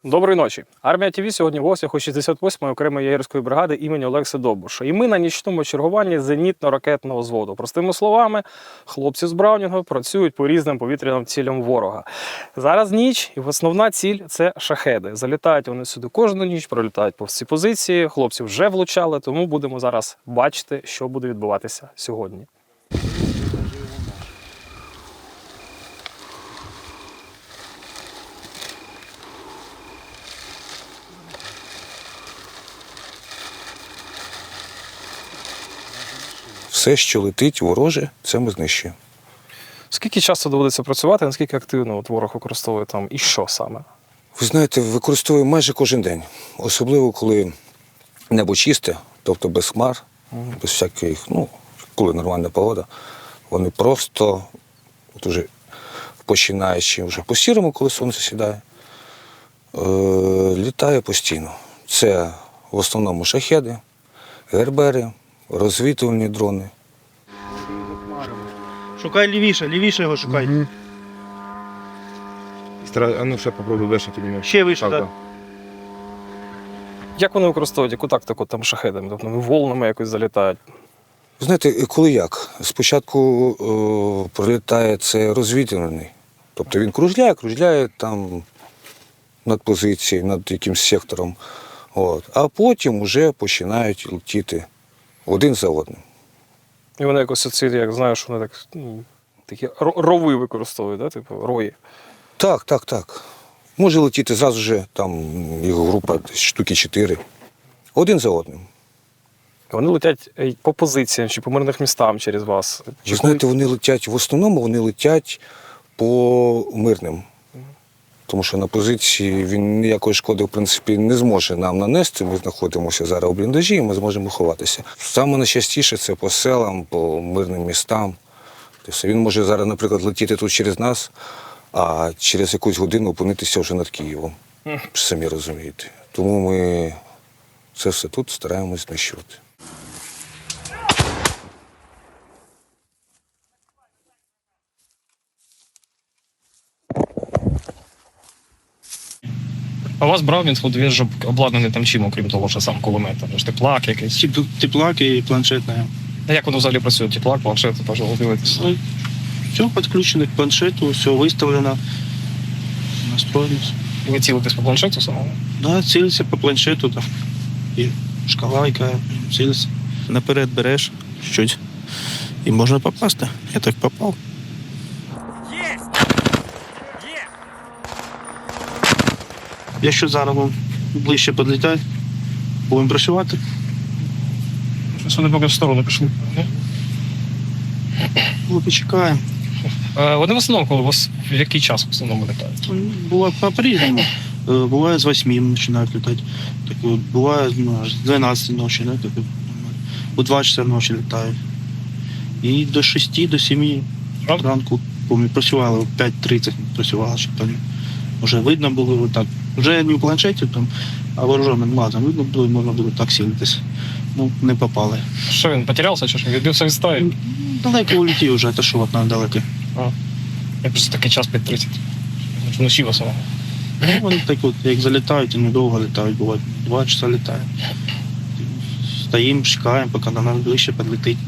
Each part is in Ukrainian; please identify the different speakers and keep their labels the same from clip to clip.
Speaker 1: Доброї ночі. Армія ТВ сьогодні в гостях у 68-ї окремої єгерської бригади імені Олекси Довбуша. І ми на нічному чергуванні зенітно-ракетного взводу. Простими словами, хлопці з Браунінгу працюють по різним повітряним цілям ворога. Зараз ніч, і основна ціль – це шахеди. Залітають вони сюди кожну ніч, пролітають повз ці позиції. Хлопці вже влучали, тому будемо зараз бачити, що буде відбуватися сьогодні.
Speaker 2: Все, що летить вороже, це ми знищуємо.
Speaker 1: Скільки часу доводиться працювати, наскільки активно ворог використовує там і що саме?
Speaker 2: Ви знаєте, використовуємо майже кожен день. Особливо, коли небо чисте, тобто без хмар, без всяких, коли нормальна погода. Вони просто, уже починаючи вже по сірому, коли сонце сідає, літає постійно. Це в основному шахеди, гербери, розвідувальні дрони.
Speaker 3: Шукай лівіше, лівіше його шукай.
Speaker 4: Угу. А ну ще попробуй вишити мене.
Speaker 3: Ще вище, так.
Speaker 1: Як вони використовують, яку тактику там шахедами? Тобто волнами якось залітають?
Speaker 2: Ви знаєте, коли як? Спочатку пролітає це розвідувальний. Тобто він кружляє там над позицією, над якимсь сектором. А потім вже починають летіти один за одним.
Speaker 1: І вони якось оці, як знаєш, вони так, такі рови використовують, да? Типу рої.
Speaker 2: Так. Може летіти зразу же, там його група штуки 4. Один за одним.
Speaker 1: Вони летять по позиціям чи по мирних містам через вас?
Speaker 2: Ви знаєте, вони летять, в основному вони летять по мирним. Тому що на позиції він ніякої шкоди, в принципі, не зможе нам нанести. Ми знаходимося зараз у бліндажі і ми зможемо ховатися. Саме найчастіше це по селам, по мирним містам. Тобто він може зараз, наприклад, летіти тут через нас, а через якусь годину опинитися вже над Києвом. Самі розумієте. Тому ми це все тут стараємось знищувати.
Speaker 1: А у вас Браунінг ж обладнаний там чим, окрім того, що сам кулемет? Там ж теплак якийсь.
Speaker 3: Теплак і планшетна.
Speaker 1: А як воно взагалі працює? Теплак, планшет, пожалуйста, дивитися.
Speaker 3: Все підключено к планшету, все виставлено, настроєно.
Speaker 1: І ви цілитесь по планшету самому?
Speaker 3: Да, цілиться по планшету, там і шкала, яка цілиться. Наперед береш щось і можна попасти. Я так попав. Якщо зараз вам ближче підлітає, будемо працювати.
Speaker 1: Щось вони поки в сторону пішли.
Speaker 3: Ну, почекаємо.
Speaker 1: Вони в основному, коли у вас в який час в основному літають?
Speaker 3: Буває по-різному. Буває з 8 починають літати. Так, буває з 12 ночі, да, так, у 2 часа ночі літають. І до 6, до 7 ранку працювали, о 5:30 працювали, щоб там вже видно було так. Вже не в планшеті, там, а вооруженим глазом видно було, можна було так сілитися. Ну, не попали.
Speaker 1: Що він, потерявся чи що? Відбився від стаї?
Speaker 3: Далеко улетів вже, та що от нам далеко.
Speaker 1: Я просто такий час 5:30. Вночі в основному.
Speaker 3: Ну, вони так от, як залітають, і недовго літають, буває 2 часа літають. Стоїмо, чекаємо, поки до нас ближче підлетить.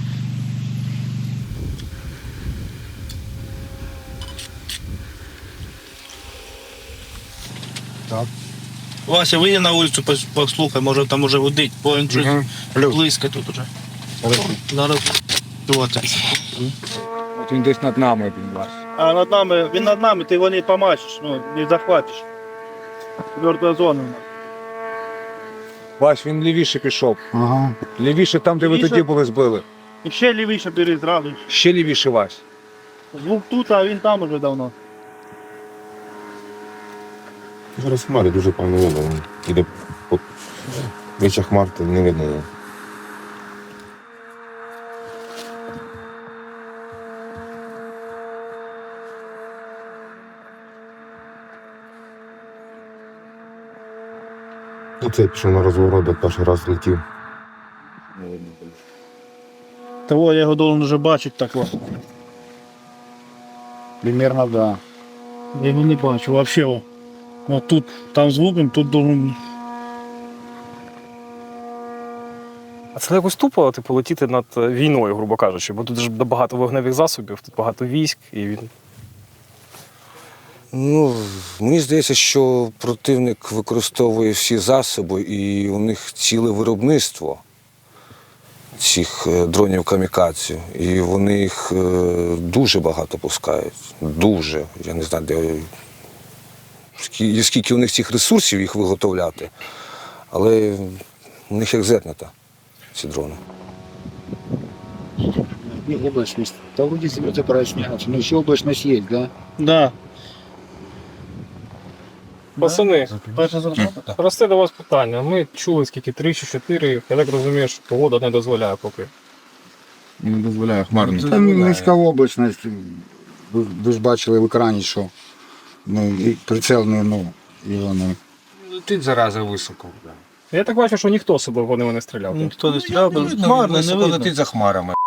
Speaker 4: Так.
Speaker 3: Вася, вийди на вулицю, послухай, може там уже гудить, бо він щось близько тут уже. Зараз
Speaker 4: От він десь над нами він вас.
Speaker 5: А над нами, він над нами, ти його не помачиш, не захватиш. Мертва зона.
Speaker 4: Вась, він лівіше пішов.
Speaker 5: Ага.
Speaker 4: Лівіше там, де ви
Speaker 5: Лівіше?
Speaker 4: тоді були збили.
Speaker 5: І ще лівіше бери зразу.
Speaker 4: Ще лівіше, Вась.
Speaker 5: Звук тут, а він там уже давно.
Speaker 6: Зараз хмари дуже певно видно. Іде по вища хмар, то не видно його. Оце пішов на розворот, де перший раз летів.
Speaker 5: Того я його должен вже бачити так.
Speaker 4: Примерно, да.
Speaker 5: Я його не бачу, взагалі. Вот тут, там звуком, тут должен...
Speaker 1: А це якось тупо, типу, летіти над війною, грубо кажучи, бо тут ж багато вогневих засобів, тут багато військ, і він.
Speaker 2: Ну, мені здається, що противник використовує всі засоби, і у них ціле виробництво цих дронів камікадзе. І вони їх дуже багато пускають. Дуже. Я не знаю, скільки у них цих ресурсів їх виготовляти. Але у них як зернята, ці дрони.
Speaker 7: И облачность. Да вроде звезды проясняются, но еще облачность есть, да?
Speaker 5: Да.
Speaker 1: Пацани,
Speaker 5: Перша зарплата?
Speaker 1: просте до вас питання. Ми чули скільки 3 чи 4, я так розумію, що погода не дозволяє поки.
Speaker 6: Не дозволяє хмарно.
Speaker 7: Там низька облачність. Ви ж бачили в екрані, що і прицел і вони.
Speaker 4: Летить зараза високо.
Speaker 1: Я так бачу, що ніхто з собою вони не стріляв.
Speaker 5: Ніхто не стріляв, хмарно, не видно.
Speaker 4: Летить за хмарами.